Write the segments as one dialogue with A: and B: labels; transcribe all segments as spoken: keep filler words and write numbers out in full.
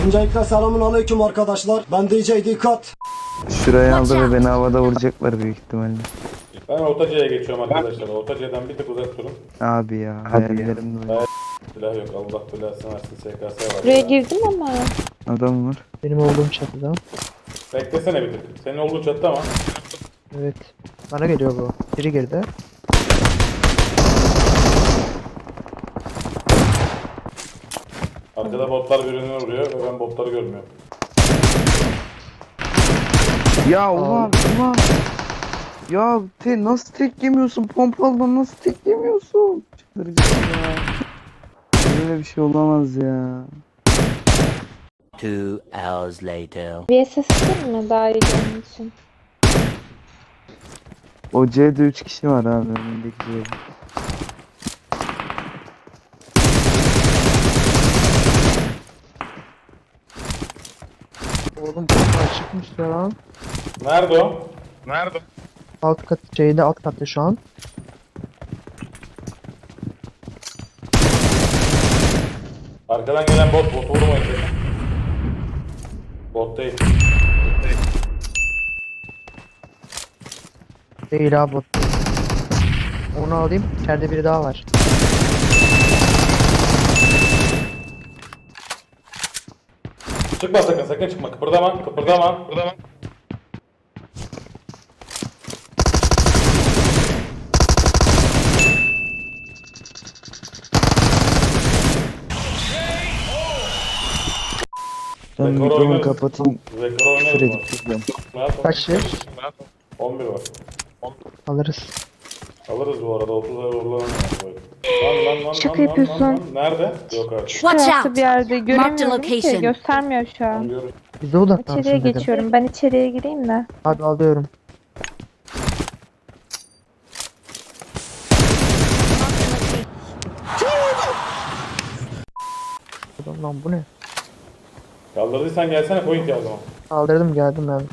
A: Öncelikle selamun aleyküm arkadaşlar. Ben D J Dikkat.
B: Şurayı aldı ve beni havada vuracaklar büyük ihtimalle.
C: Ben Ortaca'ya geçiyorum arkadaşlar. Ortaca'dan bir tık uzak durun.
B: Abi ya hayallerim var.
C: Silah yok. Allah belasını versin. S K S var.
D: Buraya
C: ya.
D: girdim ama.
B: Adam var.
E: Benim olduğum çatıda.
C: Beklesene bir tık. Senin olduğun çattı ama.
E: Evet. Bana geliyor bu. Biri girdi.
C: Arkada botlar birbirine vuruyor ve ben botları görmüyorum.
B: Ya ulan ulan. Ya te nasıl tek yemiyorsun? Pompalıdan nasıl tek yemiyorsun? Çıldıracağım ya. Böyle bir şey olamaz ya.
F: Two hours later.
D: V S S mi daha iyi görmek için?
B: O C'de üç kişi var abi önündeki C'de.
E: Oğlum kapı çıkmış ya lan.
C: Nerede o? Nerede?
E: Alt kat şeyde alt katta şu an.
C: Arkadan gelen bot. Botu vurmayın. Bot değil.
E: Değil abi. Onu alayım. İçeride biri daha var.
C: Çıkma sakın. Sakın çıkma. Kıpırdama. Kıpırdama. Kıpırdama.
B: Ben
C: Rekor
B: mikrofonu
C: oynarız.
B: kapatayım.
C: Rekor
B: Küfür
C: oynarız
B: edip
C: mı?
B: gidiyorum.
C: Rahat ol.
E: Kaç şey?
C: on bir var.
E: Alırız.
C: Alırız bu arada. otuz ay uğurlanamıyor. Lan lan lan
D: Şaka
C: lan, lan,
D: yapıyorsun.
C: lan, lan. Nerede? Yok artık.
D: Şu
F: Watch
D: tarafta
F: out.
D: bir yerde
F: Marked
D: göremiyorum ki.
F: location.
D: Göstermiyor şu an.
C: Anlıyorum.
E: Bize odaklansın
D: İçeriye
E: dedim.
D: geçiyorum. Ben içeriye gireyim de.
E: Hadi alıyorum. Adam lan bu ne?
C: Kaldırdıysan gelsene point ya o zaman.
E: Kaldırdım geldim ben.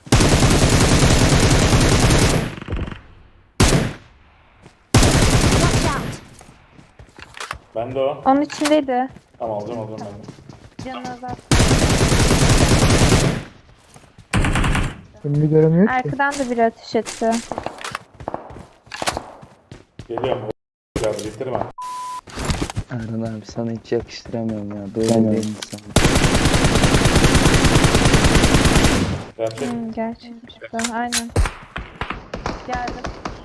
F: Watch out.
C: Ben de o.
D: Onun içindeydi.
C: Tamam alacağım alacağım ben de.
D: Canına azalt.
E: Önümü göremiyor ki.
D: Arkadan da biri ateş etti.
C: Geliyorum. Ya bitirme.
B: Erhan abi sana hiç yakıştıramıyorum ya. Böyle bir insan.
C: Gerçek.
D: Hmm, gerçekmiş bu. Aynen. Geldim.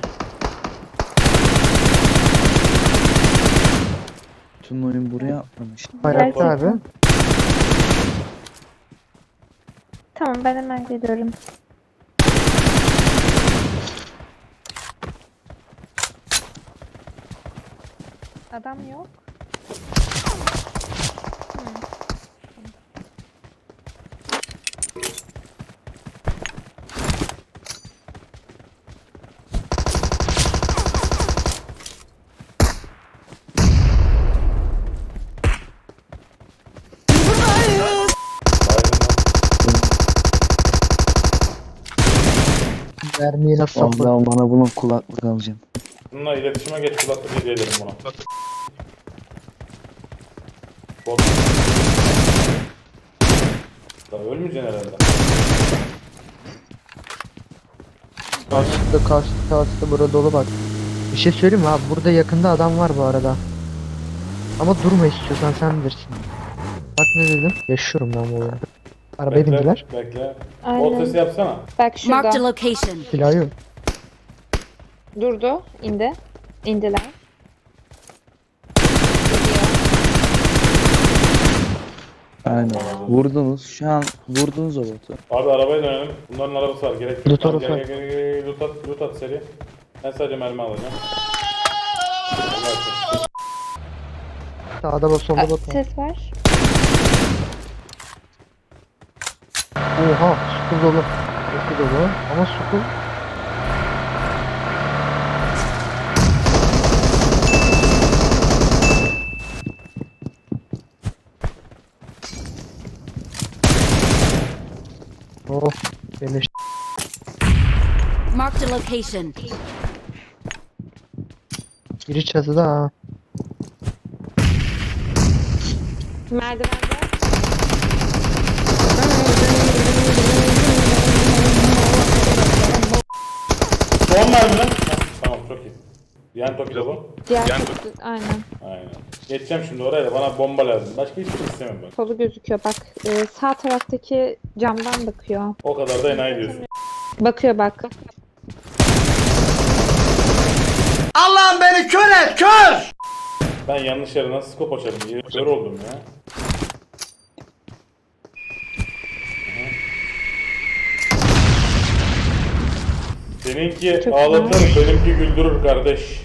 B: Tüm oyun buraya atlamış.
E: Bayraklı abi.
D: Tamam ben hemen geliyorum. Adam yok.
E: Mermiyi nasıl sapladım?
B: Vallahi bana bunun kulaklık alacağım.
C: Bununla iletişime geç kulaklık hediye ederim buna. Bot. Lan ölmeyeceksin herhalde.
E: Karşıda karşıda karşıda burada dolu bak. Bir şey söyleyeyim mi abi? Burada yakında adam var bu arada. Ama durma istiyorsan sen bilirsin. Bak ne dedim? Yaşıyorum ben bu oyunu. Arabaya
C: Bekle,
E: bindiler.
C: Bekle. Bot
D: Aynen.
C: sesi yapsana.
D: Bak
F: Marked a
D: şurada.
F: location.
E: Silahı yok.
D: Durdu. İndi. İndiler.
B: Aynen. Vurdunuz. Şu an vurdunuz o botu.
C: Abi arabaya dönelim. Bunların arabası var. Gerek yok.
E: Loot
C: Tamam,
E: arabası
C: gel, gel, gel, gel, gel. Loot at, loot at seri. Ben sadece mermi alacağım. Allah aşkına.
E: Sağda bak solda
D: Aa,
E: bak.
D: ses var.
E: Oha sukul dolu. Sukul dolu. Ama sukul. Oh beleş.
F: Marked a location.
E: Biri çatıda ha.
D: Merdivende.
C: Son mermi lan. Heh, tamam çok iyi. Yan Toki'de bu.
D: Diğer kutu- aynen.
C: Aynen. Geçeceğim şimdi oraya da bana bomba lazım. Başka hiçbir şey istemem ben.
D: Kolu gözüküyor bak. e, sağ taraftaki camdan bakıyor.
C: O kadar da enayi diyorsun.
D: Bakıyor bak.
A: Allah'ım beni kör et kör!
C: Ben yanlış yere nasıl skop açarım diye kör oldum ya. Aha. Seninki
D: Çok
C: ağlatır, benimki güldürür kardeş.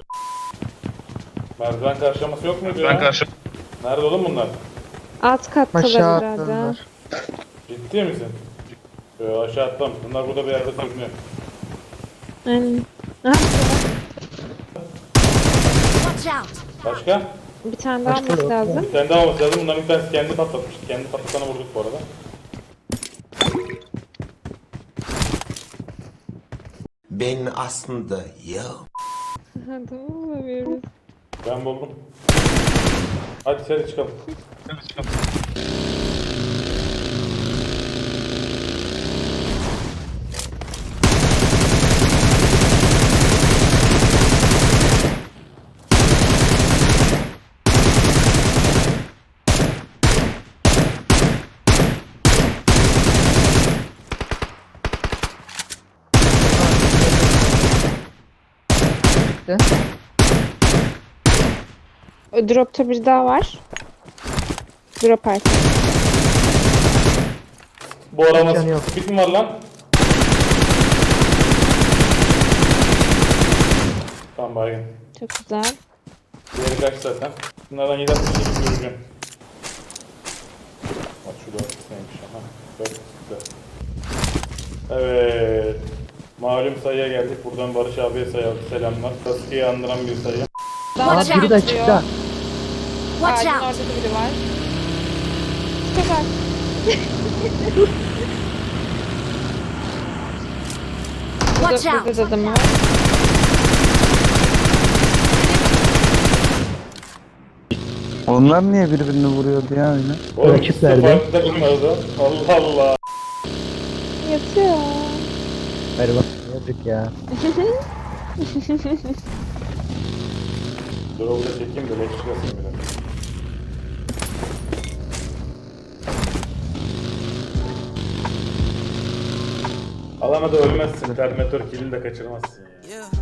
C: Merdiven karşılaması yok muydu ya? Karşı... Nerede oğlum bunlar?
D: Alt kattalar
E: Aşağı
D: herhalde.
E: atladılar.
C: Ciddi misin? Yo, aşağı atlam. Bunlar burada bir yerde sürünüyor.
D: Aynen. Aha,
F: Watch out!
C: Başka?
D: bir tane daha
E: Başka
D: alması
E: yok.
D: lazım.
C: Bir tane daha olması lazım. Bunların bir tanesi kendi patlatmış. Kendi patlatana vurduk bu arada.
G: Ben aslında ya.
D: Ha, tamam bulamıyoruz.
C: Ben buldum. Hadi seri çıkalım. Seri çıkalım.
E: Bitti.
D: O dropta bir daha var. Drop artık.
C: Bu arama
E: Canı yok.
C: speed mi var lan? Tamam baygın.
D: Çok güzel.
C: Diğeri kaç zaten. Bunlardan yedi altmış sekiz göreceğim. Bak şu dört neymiş ama. dört güzel. Evet. Malum sayıya geldik. Buradan Barış abiye sayalım. Selamlar. Sasuke'yi andıran bir sayı.
E: Aa
F: Watch
E: biri de
F: out!
E: çıktı.
F: Watch
D: Ağacın
F: out!
D: orada da biri var. Çok az.
F: Watch
D: Burada,
F: out!
D: burada da adam var.
B: Onlar niye birbirini vuruyordu ya öyle?
C: Oğlum
E: Rakip
C: ikisi
E: nerede?
C: farklı takımlarda. Allah Allah.
D: Yatıyor.
E: Ver bak yazık ya.
C: Dur orada çekeyim de leş çıkasın bir dakika. Alana da ölmezsin. Terminator kill'ini de kaçırmazsın ya.
G: Yeah.